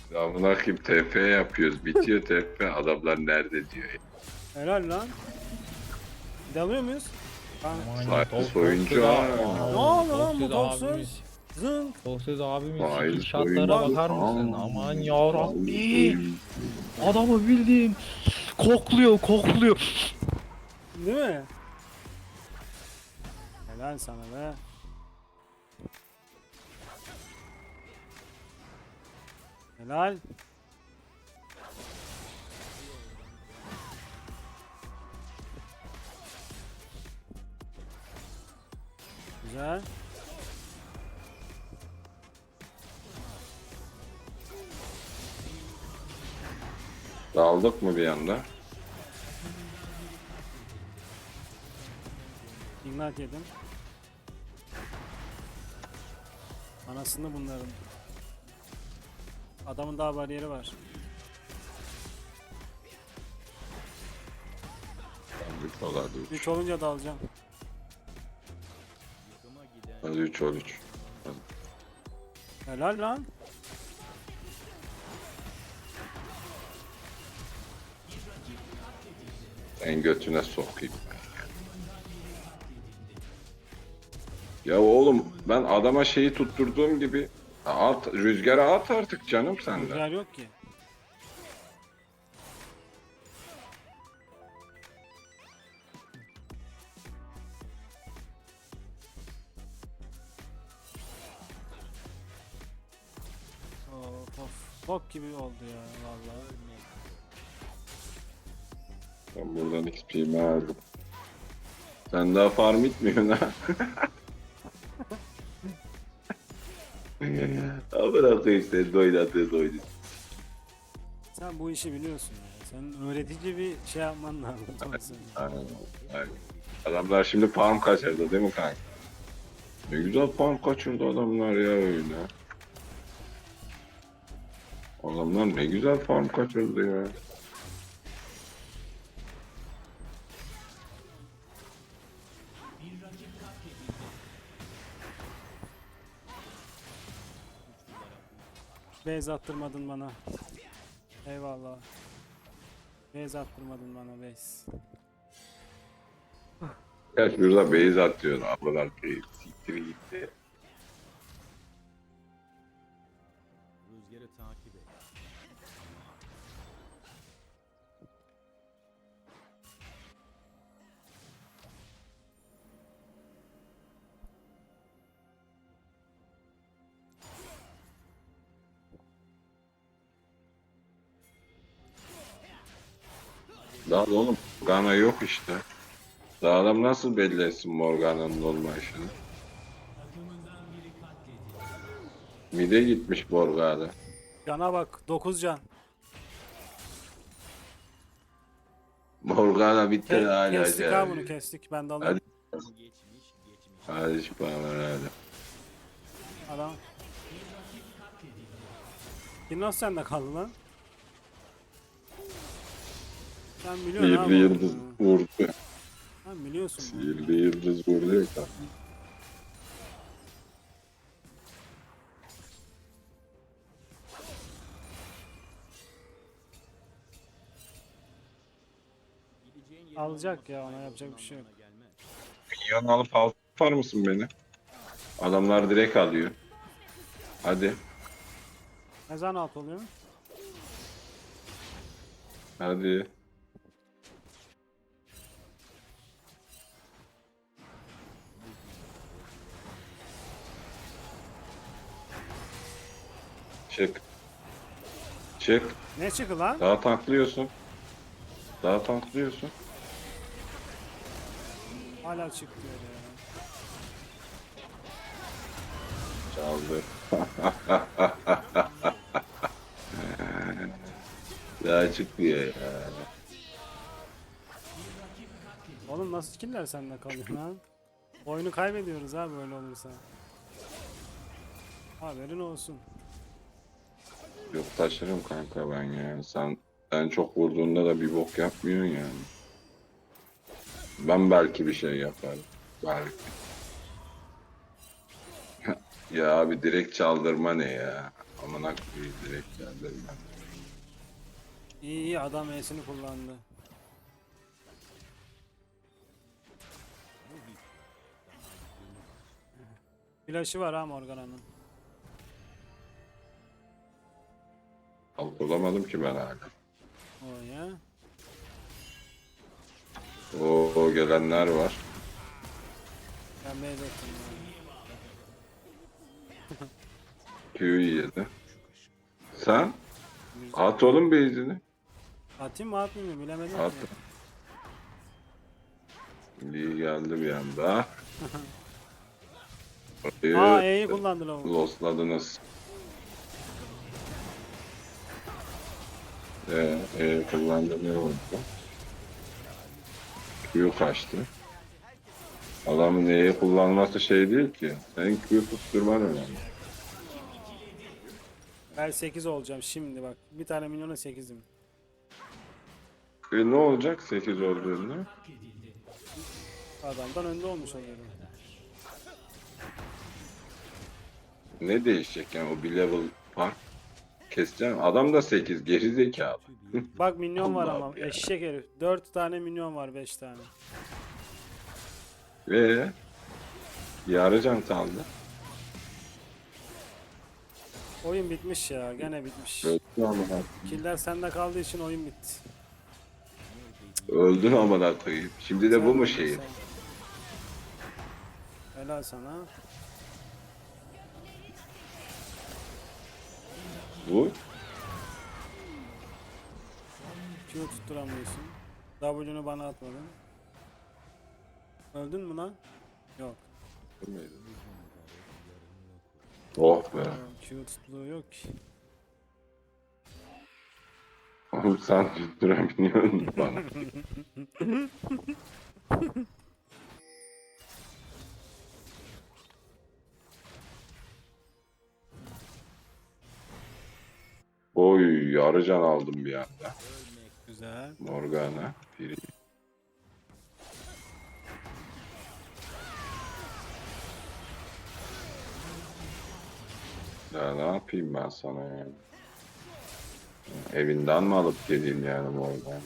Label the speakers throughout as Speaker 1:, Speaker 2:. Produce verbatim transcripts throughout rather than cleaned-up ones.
Speaker 1: Ya buna kim T P yapıyoruz. Bitiyor T P. Adamlar nerede diyor ya.
Speaker 2: Helal lan. Dalıyor muyuz? Kanka.
Speaker 3: Aman ya
Speaker 1: Sayılı
Speaker 3: Tok
Speaker 1: soyuncu
Speaker 3: Toksöz
Speaker 1: ha.
Speaker 2: Ne oldu lan bu
Speaker 3: Toksöz
Speaker 2: Toksöz?
Speaker 3: abimiz.
Speaker 2: Zınk.
Speaker 3: Toksöz abimiz
Speaker 1: Sayılı
Speaker 3: skill shotlara
Speaker 1: soyuncu.
Speaker 3: bakar mısın?
Speaker 1: Aa,
Speaker 3: Aman
Speaker 1: sayılı
Speaker 3: yarabbi.
Speaker 1: soyuncu.
Speaker 3: Adamı bildiğin kokluyor kokluyor.
Speaker 2: Değil mi? Helal sana be. Helal. Güzel.
Speaker 1: Daldık mı bir anda?
Speaker 2: Ignite yedim. Anasını bunların. Adamın daha bariyeri var.
Speaker 1: Daldık dolar üç.
Speaker 2: üç olunca da alacağım.
Speaker 1: Hadi üç ol üç.
Speaker 2: Helal lan.
Speaker 1: En götüne sokayım. Ya oğlum ben adama şeyi tutturduğum gibi at, rüzgara at artık canım sen de.
Speaker 2: Rüzgar yok ki. Of of. Bok gibi oldu ya vallahi.
Speaker 1: Ben buradan X P'mi aldım. Sen daha farm etmiyorsun ha. Ha bırak işte doydatı doydu.
Speaker 2: Sen bu işi biliyorsun ya. Sen öğretici bir şey yapman lazım. Thompson.
Speaker 1: Aynen, aynen. Adamlar şimdi farm kaçırdı değil mi kanka? Ne güzel farm kaçırdı adamlar ya öyle. Adamlar ne güzel farm kaçırdı ya.
Speaker 2: Base attırmadın bana. Eyvallah. Base attırmadın bana base.
Speaker 1: Ya şurada base atıyor. Ablalar keyif. Siktir gitti.
Speaker 4: Rüzgarı takip et.
Speaker 1: Daha da oğlum Morgana yok işte. Daha adam nasıl belli etsin Morgana'nın olmayışını? Mide gitmiş Morgana.
Speaker 2: Cana bak dokuz can.
Speaker 1: Morgana bitti
Speaker 2: Ke
Speaker 1: hala.
Speaker 2: kestik ha bunu kestik. Ben de alayım.
Speaker 1: Hadi.
Speaker 4: Geçmiş geçmiş.
Speaker 1: Hadi şu paralar hadi.
Speaker 2: Adam. Kim sende kaldı lan? Sen biliyorsun
Speaker 1: Sihirli
Speaker 2: abi.
Speaker 1: yıldız vurdu.
Speaker 2: Sen biliyorsun. bunu.
Speaker 1: Sihirli yıldız vurdu ya kanka.
Speaker 4: Gideceğin yerin
Speaker 2: Alacak
Speaker 4: olması
Speaker 2: ya, ona
Speaker 4: aynı
Speaker 2: yapacak bir şey yok.
Speaker 4: anlamına gelmez.
Speaker 1: Yan alıp alt yapar mısın beni? Adamlar direkt alıyor. Hadi.
Speaker 2: Ne zaman alt oluyor?
Speaker 1: Hadi. Çık. Çık.
Speaker 2: Ne çıktı lan?
Speaker 1: Daha tanklıyorsun. Daha tanklıyorsun.
Speaker 2: Hala çık diyor ya.
Speaker 1: Çaldı. Daha çıkmıyor ya.
Speaker 2: Oğlum nasıl skiller sende kalıyor lan? Oyunu kaybediyoruz ha böyle olursa. Haberin olsun.
Speaker 1: Yok taşırım kanka ben ya. Sen sen çok vurduğunda da bir bok yapmıyorsun yani. Ben belki bir şey yaparım. Belki. Ya abi direkt çaldırma ne ya? Amına koyayım direkt geldi.
Speaker 2: İyi iyi adam E'sini kullandı. Flash'ı var ha Morgana'nın.
Speaker 1: Halk olamadım ki ben hala.
Speaker 2: O ya.
Speaker 1: Oo gelenler var.
Speaker 2: Ben B'de ettim ya.
Speaker 1: Q'yu yedi. Sen? At oğlum base'ini.
Speaker 2: Atayım mı atmayayım mı bilemedim
Speaker 1: At.
Speaker 2: ki.
Speaker 1: Lee geldi bir anda.
Speaker 2: Aa E'yi kullandı lavuk.
Speaker 1: Lostladınız. Ee, e, kullandı ne oldu? Q kaçtı. Adamın E'yi kullanması şey değil ki. Senin Q tutturman önemli.
Speaker 2: Ben sekiz olacağım şimdi bak. Bir tane milyona sekizim.
Speaker 1: E ne olacak sekiz olduğunda?
Speaker 2: Adamdan önde olmuş oluyorum.
Speaker 1: Ne değişecek yani o bir level fark keseceksin. Adam da sekiz geri zekalı.
Speaker 2: Bak minyon var
Speaker 1: Allah'ım
Speaker 2: ama
Speaker 1: ya.
Speaker 2: eşek herif. dört tane minyon var beş tane.
Speaker 1: Ve yarıcan kaldı.
Speaker 2: Oyun bitmiş ya gene bitmiş.
Speaker 1: Öldün amına.
Speaker 2: Killer sende kaldığı için oyun bitti.
Speaker 1: Öldün amına koyayım. Şimdi de bu mu şey?
Speaker 2: Sen- Helal sana.
Speaker 1: Bu?
Speaker 2: Q tutturamıyorsun. W'nu bana atmadın. Öldün mü lan? Yok.
Speaker 1: Oh be.
Speaker 2: Q tuttuğu yok ki.
Speaker 1: Oğlum sen tutturamıyorsun bana. Oy yarıcan aldım bir anda.
Speaker 2: Güzel.
Speaker 1: Morgana. Biri. Ya ne yapayım ben sana yani? Evinden mi alıp geleyim yani Morgana?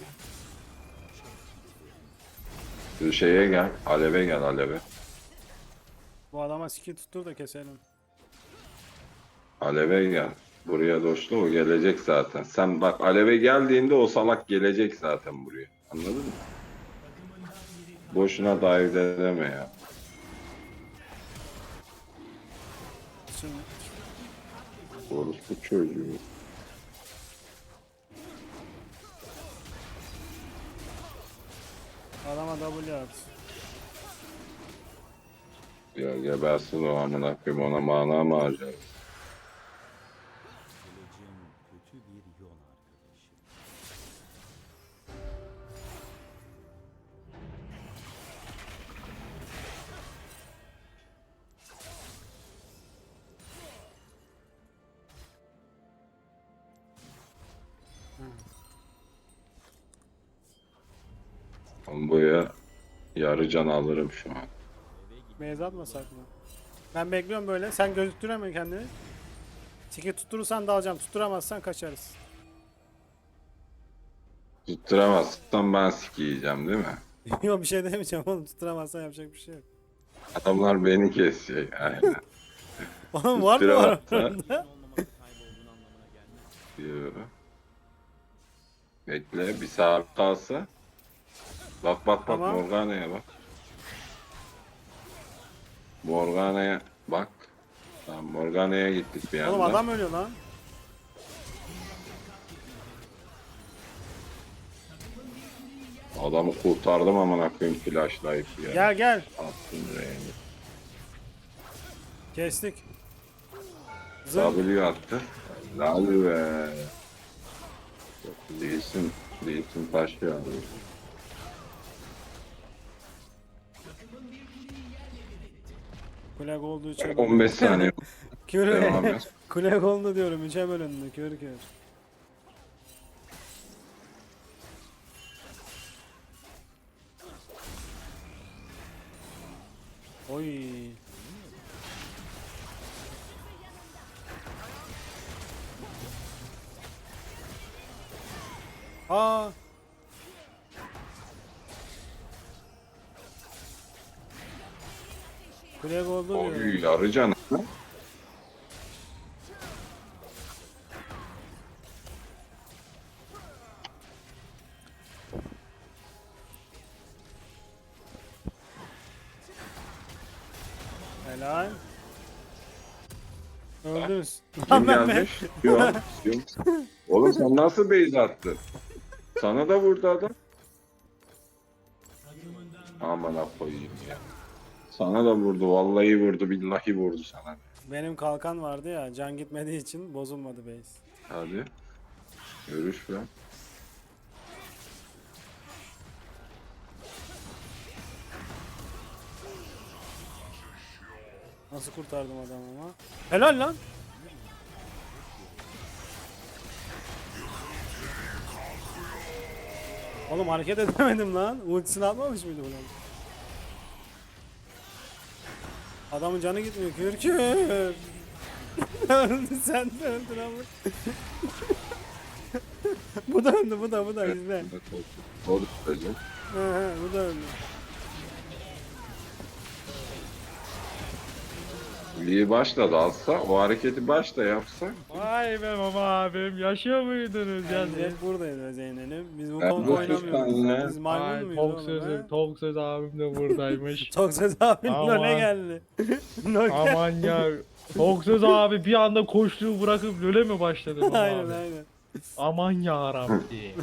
Speaker 1: Şu şeye gel, aleve gel aleve.
Speaker 2: Bu adama skill tuttur da keselim.
Speaker 1: Aleve gel. Buraya doşlu o gelecek zaten. Sen bak aleve geldiğinde o salak gelecek zaten buraya. Anladın mı? Boşuna dahil edeme ya.
Speaker 2: Şimdi
Speaker 1: Orospu çocuğu.
Speaker 2: adama W at.
Speaker 1: Ya gebersin o amına koyayım ona mana mı harcar?
Speaker 4: Geleceğin kötü bir yol arkadaşı.
Speaker 1: Bomboya yarı can alırım şu an.
Speaker 2: Beyaz atmasak mı? Ben bekliyorum böyle. Sen gözüktüremiyorsun kendini. Skill tutturursan da alacağım. Tutturamazsan kaçarız.
Speaker 1: Tutturamazsan ben sikiyeceğim değil mi?
Speaker 2: Yok bir şey demeyeceğim oğlum. Tutturamazsan yapacak bir şey yok.
Speaker 1: Adamlar beni kesecek. Aynen.
Speaker 2: Oğlum var mı var?
Speaker 1: Tutturamazsa-
Speaker 4: Olmamanın kaybolduğun anlamına gelmez.
Speaker 1: Yo. Bekle bir saat kalsa. Bak bak bak
Speaker 2: Tamam.
Speaker 1: Morgana'ya bak. Morgana'ya bak. Tamam Morgana'ya gittik bir anda.
Speaker 2: Oğlum adam ölüyor lan.
Speaker 1: Adamı kurtardım amına koyayım flashlight ya.
Speaker 2: Gel gel.
Speaker 1: Attım rengi.
Speaker 2: Kestik. Zın.
Speaker 1: W attı. Lal be. Değilsin. Değilsin taş ya.
Speaker 2: Kule olduğu için.
Speaker 1: on beş saniye
Speaker 2: Kür.
Speaker 1: devam et.
Speaker 2: Kule oldu diyorum. Üçe bölündü. Kör kör. Oy. Aa. Flag oldu diyor.
Speaker 1: Oy yarı canı.
Speaker 2: Helal. Öldünüz.
Speaker 1: Kim
Speaker 2: Lan ben ben.
Speaker 1: gelmiş? Yok. Yok. Oğlum sen nasıl base attın? Sana da vurdu adam. Aman ha koyayım ya. Sana da vurdu. Vallahi vurdu. Billahi vurdu sana.
Speaker 2: Benim kalkan vardı ya, can gitmediği için bozulmadı base.
Speaker 1: Hadi. Görüş be.
Speaker 2: Nasıl kurtardım adamı ama. Helal lan. Oğlum hareket edemedim lan. Ultisini atmamış mıydı ulan? Adamın canı gitmiyor. Kürkür. Öldü, sen de öldün ama. Bu da öldü, bu da bu da izle.
Speaker 1: O da öyle.
Speaker 2: He he, bu da öldü.
Speaker 1: İyi başladı alsa, o hareketi başta yapsa.
Speaker 3: Vay be baba abim, yaşıyor muydunuz ya
Speaker 2: Biz
Speaker 3: siz?
Speaker 2: hep buradayız Zeynep'im. Biz bu
Speaker 1: Ben
Speaker 2: konuda
Speaker 1: bu
Speaker 2: oynamıyoruz.
Speaker 1: sustan
Speaker 2: Biz
Speaker 3: Ay
Speaker 2: maymun muyuz
Speaker 3: tok
Speaker 2: oğlum
Speaker 3: sözü,
Speaker 2: he?
Speaker 3: tok söz abim de buradaymış.
Speaker 2: Çok söz abin
Speaker 3: Aman.
Speaker 2: LoL'e geldi. LoL geldi.
Speaker 3: Aman ya. Tok söz abi bir anda koştuğu bırakıp löle mi başladı baba
Speaker 2: Aynen
Speaker 3: abi?
Speaker 2: aynen.
Speaker 3: Aman ya Rabbi.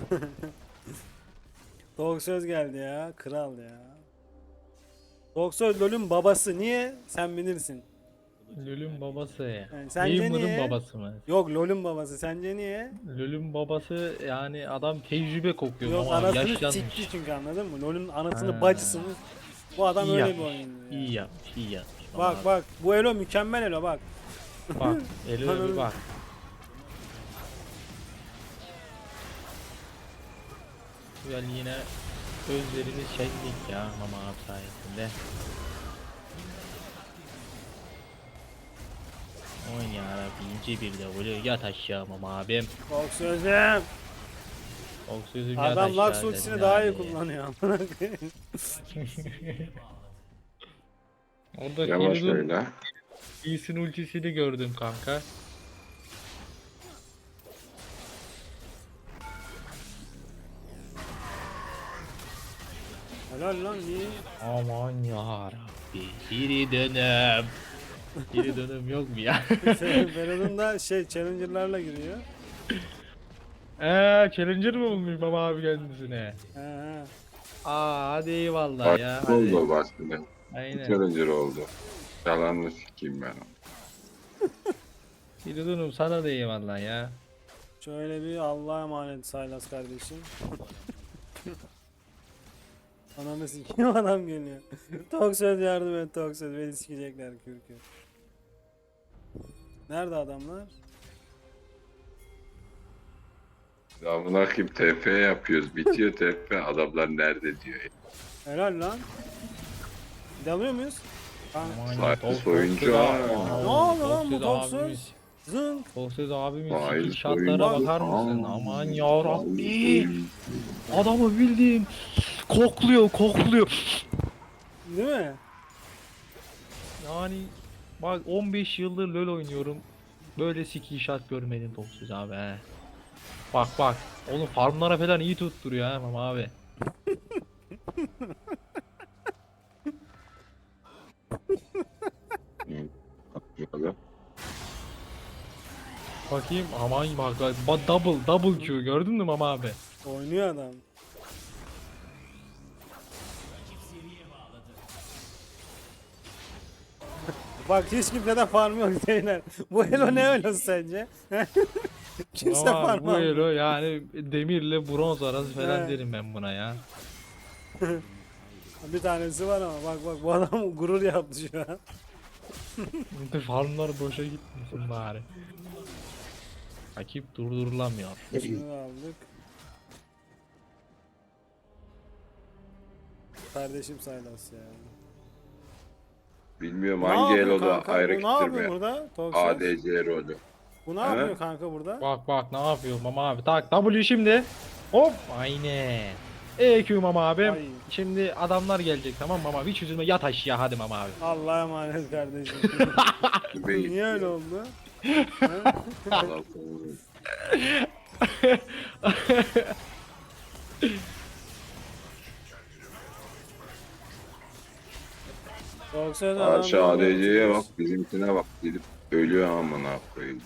Speaker 2: Tok söz geldi ya. Kral ya. Tok söz LoL'ün babası. Niye? Sen bilirsin.
Speaker 3: Lül'ün babası.
Speaker 2: Yani sence
Speaker 3: Gamer'ın
Speaker 2: niye?
Speaker 3: babası mı?
Speaker 2: Yok LoL'ün babası. Sence niye?
Speaker 3: Lül'ün babası yani adam tecrübe kokuyor
Speaker 2: Yok
Speaker 3: ama abi,
Speaker 2: anasını
Speaker 3: yaşlanmış.
Speaker 2: sikti çünkü, anladın mı? LoL'ün anasını
Speaker 3: Ha.
Speaker 2: bacısını. Bu adam
Speaker 3: İyi
Speaker 2: öyle
Speaker 3: yapmış,
Speaker 2: bir oyuncu ya.
Speaker 3: İyi yapmış, iyi yapmış.
Speaker 2: Bak
Speaker 3: Ama
Speaker 2: bak bu Elo mükemmel Elo bak.
Speaker 3: Bak, eline bir bak. Yani yine özlerimiz şenlik ya mama abi sayesinde. Aman yarabbi ince bir de vuruyor, yat aşağı mama abim.
Speaker 2: Tok sözüm.
Speaker 3: Tok sözüm yat
Speaker 2: Adam
Speaker 3: aşağı
Speaker 2: Lux
Speaker 3: dedim
Speaker 2: ultisini daha iyi
Speaker 3: yani.
Speaker 2: kullanıyor. amına koyayım.
Speaker 3: Orada
Speaker 1: Yavaş
Speaker 3: Fiddle'ın
Speaker 1: öyle.
Speaker 3: Lee'sin ultisini gördüm kanka.
Speaker 2: Helal lan iyi.
Speaker 3: Aman yarabbi. Geri dönüm. Geri dönüm yok mu ya?
Speaker 2: Feridun da şey challenger'larla giriyor.
Speaker 3: Eee challenger mı bulmuş baba abi kendisine?
Speaker 2: He he.
Speaker 3: Aa hadi eyvallah ya.
Speaker 1: Başka
Speaker 3: Hadi.
Speaker 1: oldu başında.
Speaker 3: Aynen.
Speaker 1: Challenger oldu. Yalanını sikeyim ben onu.
Speaker 3: Geri dönüm sana da eyvallah ya.
Speaker 2: Şöyle bir Allah'a emanet Saylas kardeşim. Ananı sikeyim, adam geliyor. Tok söz yardım et, tok söz beni sikecekler kürkü. Nerede adamlar?
Speaker 1: Ya buna kim T P yapıyoruz. Bitiyor T P. Adamlar nerede diyor.
Speaker 2: Helal lan. Dalıyor muyuz? Kanka.
Speaker 3: Aman
Speaker 1: Vay,
Speaker 3: ya, Tok-
Speaker 1: soyuncu
Speaker 3: Tok-
Speaker 1: ha.
Speaker 3: Tok-
Speaker 2: Ne oldu lan bu
Speaker 3: Tok-
Speaker 2: Tok
Speaker 3: Tok-
Speaker 2: söz?
Speaker 3: abimiz-
Speaker 2: Zınk.
Speaker 3: Tok söz abimin
Speaker 1: Vay,
Speaker 3: skill shotlara
Speaker 1: soyuncu.
Speaker 3: bakar mısın?
Speaker 1: Aa.
Speaker 3: Aman yarabbi. Adamı bildiğin kokluyor kokluyor.
Speaker 2: Değil mi?
Speaker 3: Yani bak on beş yıldır LoL oynuyorum. Böyle skill shot görmedim Tok söz abi he. Bak bak. Oğlum farmlara falan iyi tutturuyor ha mama abi.
Speaker 1: Böyle.
Speaker 3: Bakayım aman bak bak double double Q gördün mü mama abi?
Speaker 2: Oynuyor adam. Bak hiç kimseden farm yok Zeynep. Bu Elo ne Elo'su sence? Kimse
Speaker 3: Ama
Speaker 2: farm
Speaker 3: bu
Speaker 2: almıyor.
Speaker 3: elo yani demirle bronz arası falan
Speaker 2: He.
Speaker 3: derim ben buna ya.
Speaker 2: Bir tanesi var ama bak bak bu adam gurur yaptı şu an.
Speaker 3: Farmlar boşa gitmesin bari. Rakip durdurulamıyor.
Speaker 2: Şunu aldık. Kardeşim Saylas ya.
Speaker 1: Bilmiyorum
Speaker 2: Ne
Speaker 1: hangi
Speaker 2: yapıyor
Speaker 1: eloda
Speaker 2: kanka?
Speaker 1: ayrı
Speaker 2: Bu ne yapıyor
Speaker 1: kitirme.
Speaker 2: burada? Toksik.
Speaker 1: A D C rolü.
Speaker 2: Bu ne
Speaker 1: He?
Speaker 2: yapıyor kanka burada?
Speaker 3: Bak bak ne yapıyor mama abi tak W şimdi. Hop aynen. E Q Mama abim.
Speaker 2: Ay.
Speaker 3: Şimdi adamlar gelecek tamam Mama abi. Hiç üzülme yat aşağı hadi Mama abi.
Speaker 2: Allah'a emanet kardeşim.
Speaker 1: Be-
Speaker 2: Niye öyle oldu?
Speaker 1: Allah korusun.
Speaker 2: Yoksa da
Speaker 1: Karşı
Speaker 2: adam-
Speaker 1: A D C'ye bak, bizimkine bak, gidip ölüyor amına koyayım.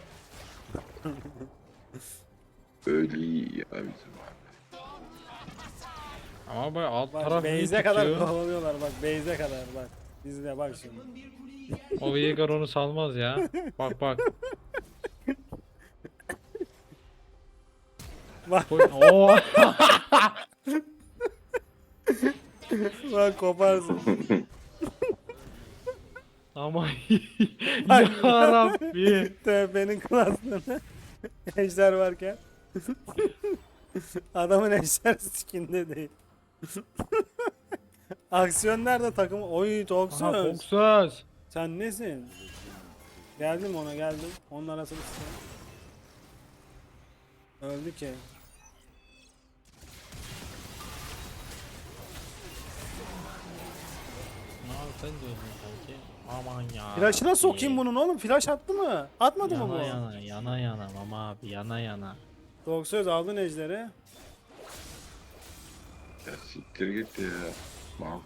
Speaker 1: Ölüyor ya bizim abi.
Speaker 3: Ama bak alt
Speaker 2: Bak
Speaker 3: taraf iyi
Speaker 2: base'e kadar
Speaker 3: tutuyor.
Speaker 2: kovalıyorlar bak base'e kadar bak. İzle bak şimdi.
Speaker 3: O Veigar onu salmaz ya. Bak bak.
Speaker 2: Bak.
Speaker 3: Oo.
Speaker 2: Bak koparsın.
Speaker 3: Ama
Speaker 2: Bak.
Speaker 3: ya Rabbi.
Speaker 2: Tövbenin klaslarına. Ejder varken. Adamın ejder skinde değil. Aksiyon nerede takım? Oy
Speaker 3: Aha
Speaker 2: Toksöz.
Speaker 3: Foxuz.
Speaker 2: Sen nesin? Geldim ona geldim. Onun arasını sıkıyorum. Öldü ki.
Speaker 3: Abi sen de öldün sanki. Aman ya.
Speaker 2: Flash'ına sokayım
Speaker 3: Rabbi.
Speaker 2: bunun oğlum. Flash attı mı? Atmadı mı bu?
Speaker 3: Yana yana yana yana Mama abi yana yana.
Speaker 2: Toksöz aldın ejderi.
Speaker 1: Ya siktir git ya. Mal.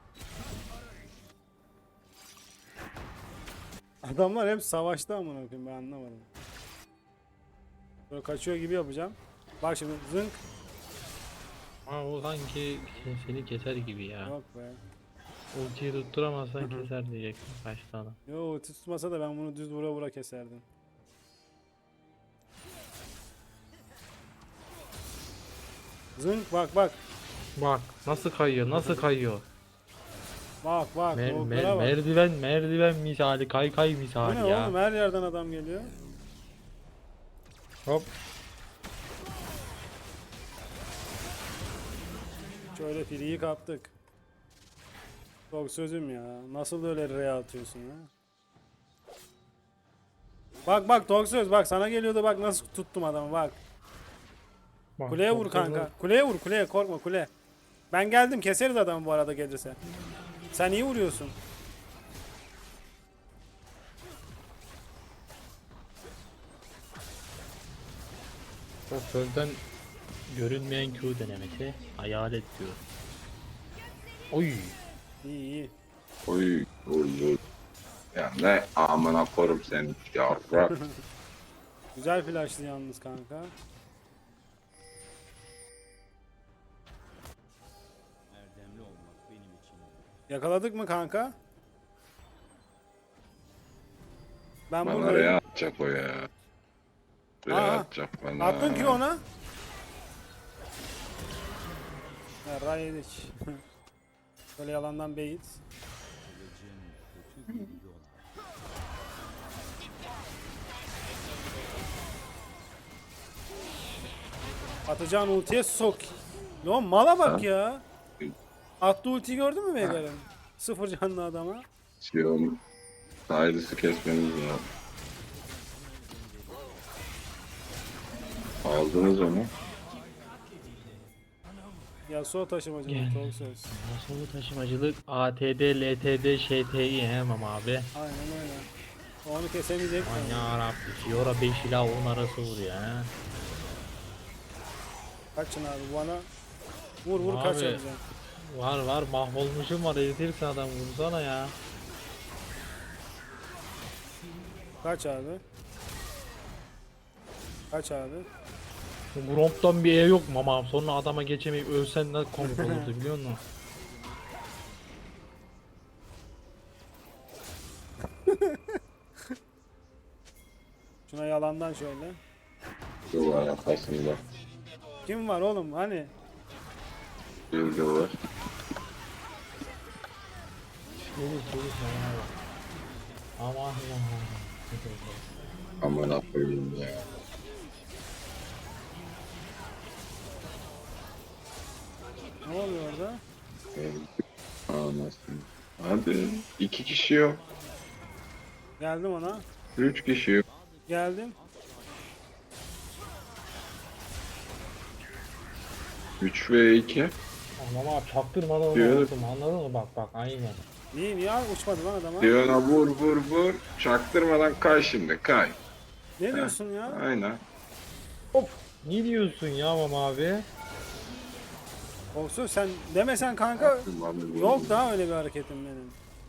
Speaker 2: Adamlar hep savaşta amına koyayım ben anlamadım. Böyle kaçıyor gibi yapacağım. Bak şimdi zınk.
Speaker 3: Ama o sanki sen- seni keser gibi ya.
Speaker 2: Yok be.
Speaker 3: Ultiyi tutturamazsan keser diyecektim kaçtı adam.
Speaker 2: Yo ulti tutmasa da ben bunu düz vura vura keserdim. Zınk bak bak.
Speaker 3: Bak nasıl kayıyor nasıl kayıyor.
Speaker 2: Bak bak.
Speaker 3: Mer-
Speaker 2: Mer,
Speaker 3: mer-
Speaker 2: bak.
Speaker 3: merdiven merdiven misali kay kay
Speaker 2: Bu
Speaker 3: misali
Speaker 2: ne
Speaker 3: ya.
Speaker 2: oğlum her yerden adam geliyor.
Speaker 3: Hop.
Speaker 2: Şöyle filiyi kaptık. Çok sözüm ya. Nasıl öyle R atıyorsun ha? Bak bak Tok söz bak sana geliyordu bak nasıl tuttum adamı bak.
Speaker 3: Bak,
Speaker 2: Kuleye
Speaker 3: çok
Speaker 2: vur
Speaker 3: güzel.
Speaker 2: kanka. Kuleye vur kuleye korkma kule. Ben geldim keseriz adamı bu arada gelirse. Sen iyi vuruyorsun.
Speaker 3: O sözden görünmeyen Q denemesi hayalet diyor. Oy.
Speaker 2: İyi iyi.
Speaker 1: Oy oy oy. Ya ne amına korum seni yavrak.
Speaker 2: Güzel flashlı yalnız kanka.
Speaker 4: Erdemli olmak benim için.
Speaker 2: Yakaladık mı kanka? Ben
Speaker 1: Bana
Speaker 2: buradayım.
Speaker 1: R'ye atacak o ya. R'ye
Speaker 2: Aa,
Speaker 1: atacak bana.
Speaker 2: Attın ki ona. Ya ray yedik. Böyle yalandan bait.
Speaker 4: Kılıcın kötü bir yol
Speaker 2: Atacağın ultiye sok. Lan mala bak
Speaker 1: Ha?
Speaker 2: ya. Attı ultiyi gördün mü Veigar'ın? Sıfır canlı adama.
Speaker 1: Şey oğlum. Saydısı kesmeniz lazım. Aldınız onu.
Speaker 2: Yasuo taşımacı
Speaker 3: Gel.
Speaker 2: Tok söz.
Speaker 3: Nasıl bu taşımacılık A T D, L T D, Ş T I hemen abi.
Speaker 2: Aynen öyle. Onu kesemeyecek.
Speaker 3: Aman yarabbi. Fiora beş ila on arası vuruyor ha.
Speaker 2: Kaçın abi bana. Vur vur
Speaker 3: Abi.
Speaker 2: kaç yapacaksın.
Speaker 3: Var var mahvolmuşum var eritirsin adam vursana ya.
Speaker 2: Kaç abi. Kaç abi.
Speaker 3: Bu Gromp'tan bir E yok mu ama sonra adama geçemeyip ölsen ne komik olurdu biliyor musun?
Speaker 2: Şuna yalandan şöyle.
Speaker 1: Duvar arkasında.
Speaker 2: Kim var oğlum hani?
Speaker 1: Bilgi var.
Speaker 3: Çevir çevir sana bak. Aman Allah'ım.
Speaker 1: Amına koyayım ya.
Speaker 2: Ne oluyor orada?
Speaker 1: Anasını. Hadi. iki kişi yok.
Speaker 2: Geldim ona.
Speaker 1: Üç kişi yok.
Speaker 2: Geldim.
Speaker 1: üç ve iki.
Speaker 3: Ama abi çaktırmadan onu
Speaker 1: Diyor.
Speaker 3: vurdum, anladın mı? Bak bak aynen.
Speaker 2: Niye niye uçmadı lan adama?
Speaker 1: Diyor'a vur vur vur. Çaktırmadan kay şimdi kay.
Speaker 2: Ne diyorsun ya?
Speaker 1: Aynen.
Speaker 3: Hop. Ne diyorsun ya Mama abi?
Speaker 2: Olsun sen demesen kanka yok daha öyle bir hareketim benim.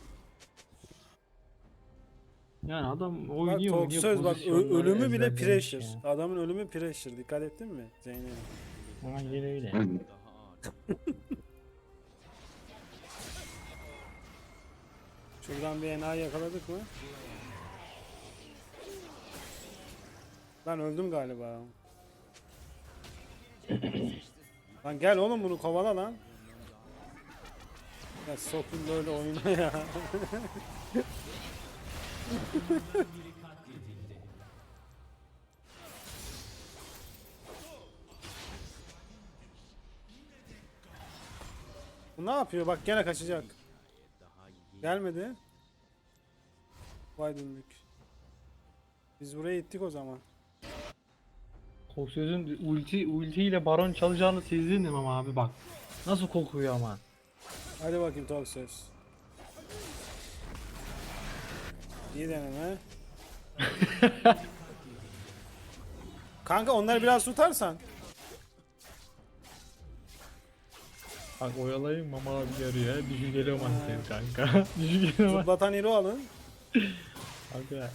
Speaker 3: Yani adam
Speaker 2: Bak
Speaker 3: oynuyor
Speaker 2: Tok
Speaker 3: oynuyor
Speaker 2: söz bak ö-
Speaker 3: pozisyonları
Speaker 2: ölümü bile
Speaker 3: ezberlemiş
Speaker 2: pressure.
Speaker 3: ya.
Speaker 2: Adamın ölümü pressure. Dikkat ettin mi Zeynep?
Speaker 3: Aynen öyle.
Speaker 4: Daha ağır.
Speaker 2: Şuradan bir enayi yakaladık mı? Ben öldüm galiba. Lan gel oğlum bunu kovala lan. Ya sokun böyle oyuna ya. Bu ne yapıyor? Bak gene kaçacak. Gelmedi. Vay döndük. Biz buraya gittik o zaman.
Speaker 3: Koksöz'ün ulti ultiyle baron çalacağını sezdin mi Mama abi bak. Nasıl kokuyor ama.
Speaker 2: Hadi bakayım Tok söz. İyi deneme. Kanka onları biraz tutarsan.
Speaker 3: Bak oyalayayım Mama abi yarıyor. Düşünceli mantığı kanka. Düşünceli mantığı.
Speaker 2: Zıplatan hero alın.
Speaker 3: Kanka.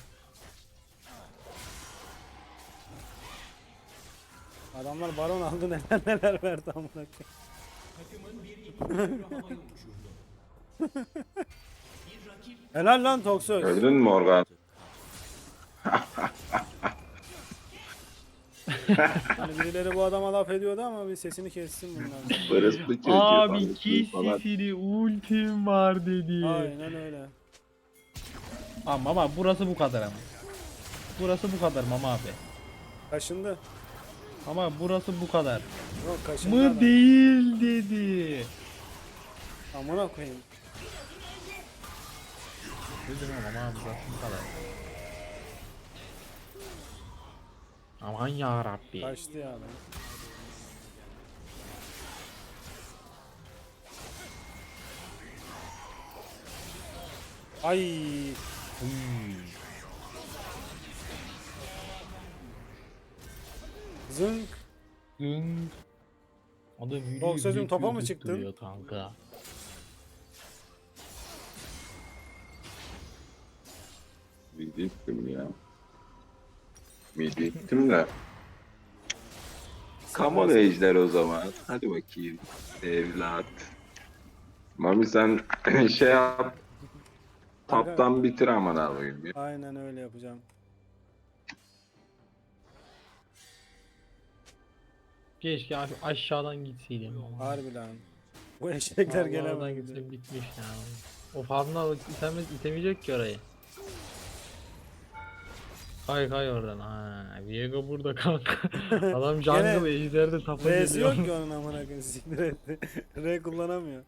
Speaker 2: Adamlar baron aldı neler neler verdi amına koyayım. Helal lan Tok söz.
Speaker 1: Gördün mü Morgan?
Speaker 2: Hani birileri bu adama laf ediyordu ama bir sesini kessin bunlar.
Speaker 1: Barışlı çocuğu
Speaker 3: Abi
Speaker 1: falan.
Speaker 3: kesisini ultim var dedi.
Speaker 2: Aynen öyle.
Speaker 3: Ama ama burası bu kadar ama. Burası bu kadar Mama abi.
Speaker 2: Kaşındı.
Speaker 3: Ama burası bu kadar.
Speaker 2: Yok kaşındı
Speaker 3: Mı
Speaker 2: adam.
Speaker 3: değil dedi.
Speaker 2: Amına koyayım.
Speaker 3: Dedim ama abi burası bu kadar. Aman ya Rabbi.
Speaker 2: Kaçtı ya adam. Ay. Zınk.
Speaker 3: Dün adam yürüyor.
Speaker 2: Yok sözüm,
Speaker 3: yürüyor,
Speaker 2: topa mı
Speaker 3: yürüyor,
Speaker 2: çıktın?
Speaker 3: duruyor kanka.
Speaker 1: Midittim ya. Midittim de. Come on ejder o zaman. Hadi bakayım. Evlat. Mami sen şey yap. Taptan bitir aman alayım ya.
Speaker 2: Aynen öyle yapacağım.
Speaker 3: Keşke abi aşağıdan gitseydim. ama.
Speaker 2: Harbi lan. Bu eşekler
Speaker 3: Vallahi oradan
Speaker 2: gelemedi.
Speaker 3: gitsem bitmiş ya. O farmla itemez, itemeyecek ki orayı. Kay kay oradan. Ha, Viego burada kanka. Adam jungle ejderde tapa
Speaker 2: R'si
Speaker 3: geliyor.
Speaker 2: yok ki onun amına koyayım, siktir etti. R kullanamıyor.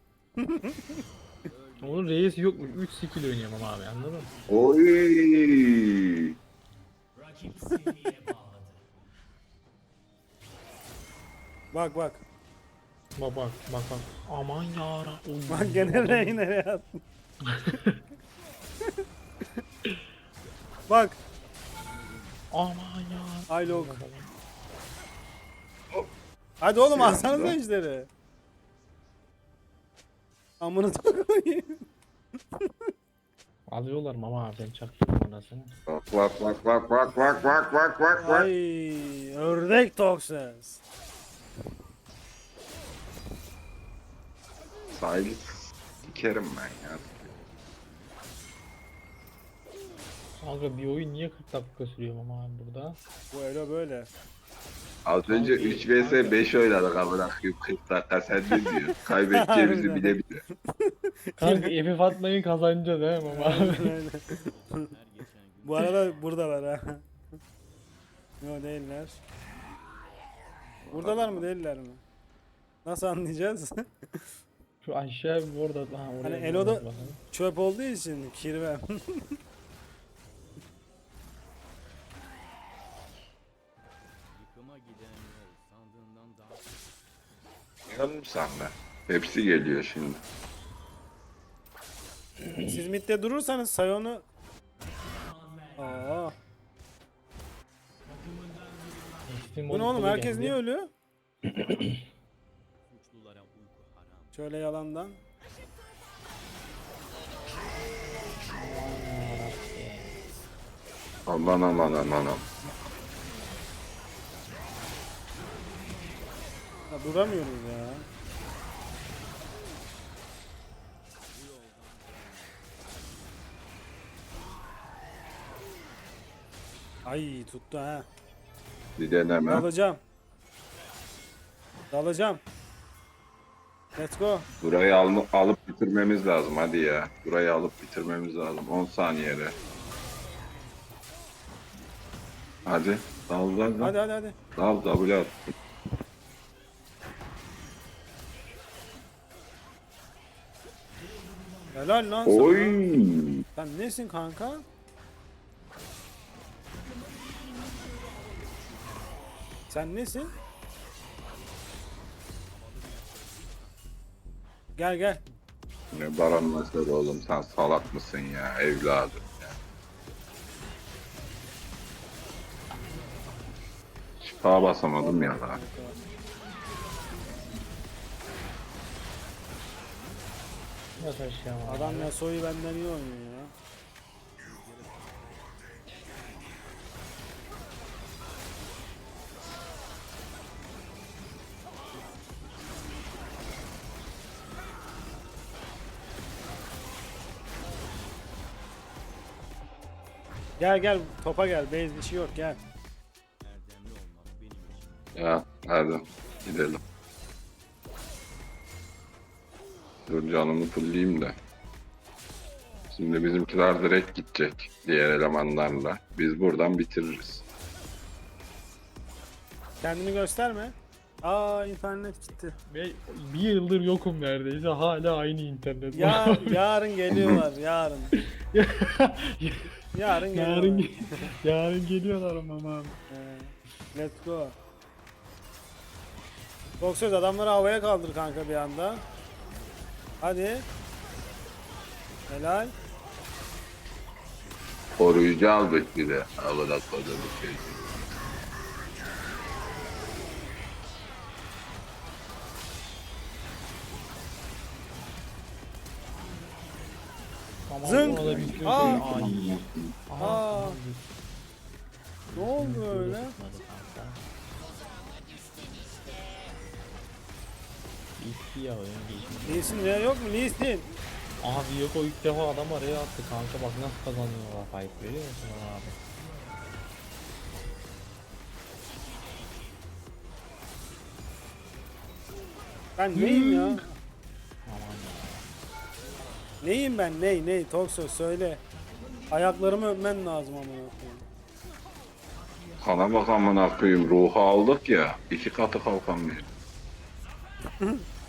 Speaker 3: Onun reis yokmuş. üç skill oynuyorum ama abi anladın mı?
Speaker 1: Oy.
Speaker 2: Bak bak.
Speaker 3: Bak bak bak bak. Aman yara.
Speaker 2: Bak gene R'yi nereye attın? Bak.
Speaker 3: Aman ya.
Speaker 2: Aylok. Hadi oğlum alsanıza ejderi. Amını da koyayım.
Speaker 3: Alıyorlar mama abi ben çaktım anasını.
Speaker 1: Bak bak bak bak bak bak bak bak bak bak.
Speaker 2: Ay ördek Toxes.
Speaker 1: Sahili sikerim ben ya.
Speaker 3: Kanka bir oyun niye kırk dakika sürüyor mama abi burada?
Speaker 2: Bu elo böyle.
Speaker 1: Az önce
Speaker 3: Kanki,
Speaker 1: üç vs beş oynadık amına koyayım kırk dakika sen ne diyorsun? Kaybedeceğimizi
Speaker 2: Harbiden.
Speaker 1: bile bile.
Speaker 3: Kanka F F atmayı kazanacağız he mama abi.
Speaker 2: Aynen öyle.
Speaker 4: Her geçen gün
Speaker 2: Bu arada buradalar ha. Yok değiller. Buradalar mı değiller mi? Nasıl anlayacağız?
Speaker 3: Şu aşağı bir orada. Ha, oraya
Speaker 2: Hani
Speaker 3: bir
Speaker 2: Elo'da-
Speaker 3: bakalım.
Speaker 2: Çöp olduğu için kirvem.
Speaker 4: yıkıma giden yol sandığından daha
Speaker 1: Yanım sende. Hepsi geliyor şimdi.
Speaker 2: Siz midde durursanız Sion'u... Aa,
Speaker 3: Ekstim
Speaker 2: bu ne oğlum, herkes niye ölüyor?
Speaker 4: Suçlulara uyku haram.
Speaker 2: Şöyle yalandan.
Speaker 1: Aman aman aman aman.
Speaker 2: Ya duramıyoruz ya. Ay tuttu ha.
Speaker 1: Bir deneme.
Speaker 2: Dalacağım. Dalacağım. Let's go.
Speaker 1: Burayı al alıp bitirmemiz lazım hadi ya. Burayı alıp bitirmemiz lazım. on saniyede. Hadi. Dal dal dal.
Speaker 2: Hadi hadi hadi.
Speaker 1: Dal W at.
Speaker 2: Helal lan sana.
Speaker 1: Oy.
Speaker 2: Sen nesin kanka? Sen nesin? Gel gel.
Speaker 1: Ne baran nasıl oğlum, sen salak mısın ya evladım ya. Şifa basamadım ya daha.
Speaker 3: Yat aşağı.
Speaker 2: Adam Yasuo'yu benden iyi oynuyor ya. Gel gel topa gel. Base bir şey yok gel.
Speaker 4: Erdemli olmak benim için.
Speaker 1: Ya hadi gidelim. Dur canımı fulleyeyim de. Şimdi bizimkiler direkt gidecek diğer elemanlarla. Biz buradan bitiririz.
Speaker 2: Kendini gösterme. Aa internet gitti.
Speaker 3: Ve bir yıldır yokum neredeyse. Hala aynı internet.
Speaker 2: Ya yarın geliyorlar yarın. Yarın geliyorlar.
Speaker 3: yarın, yarın geliyorlar ama abi.
Speaker 2: Ee, let's go. Çok söz adamları havaya kaldır kanka bir anda. Hadi. Helal.
Speaker 1: Koruyucu aldık bir de. Havada kodu bir şey.
Speaker 3: Tamam,
Speaker 2: Zınk!
Speaker 3: ona da bir şey-
Speaker 2: Aa!
Speaker 3: Ay.
Speaker 2: Aa. Ne oldu öyle?
Speaker 3: Bitti ya oyun geçmiş.
Speaker 2: Lee'sin ya yok mu Lee'sin?
Speaker 3: Abi yok, o ilk defa adam araya attı kanka, bak nasıl kazanıyorlar fight, görüyor musun abi?
Speaker 2: Ben neyim ya?
Speaker 3: Aman ya.
Speaker 2: Neyim ben ney ney Tokso söyle. Ayaklarımı öpmen lazım amına koyayım.
Speaker 1: Kana bak amına koyayım, ruhu aldık ya. İki katı kalkamıyor.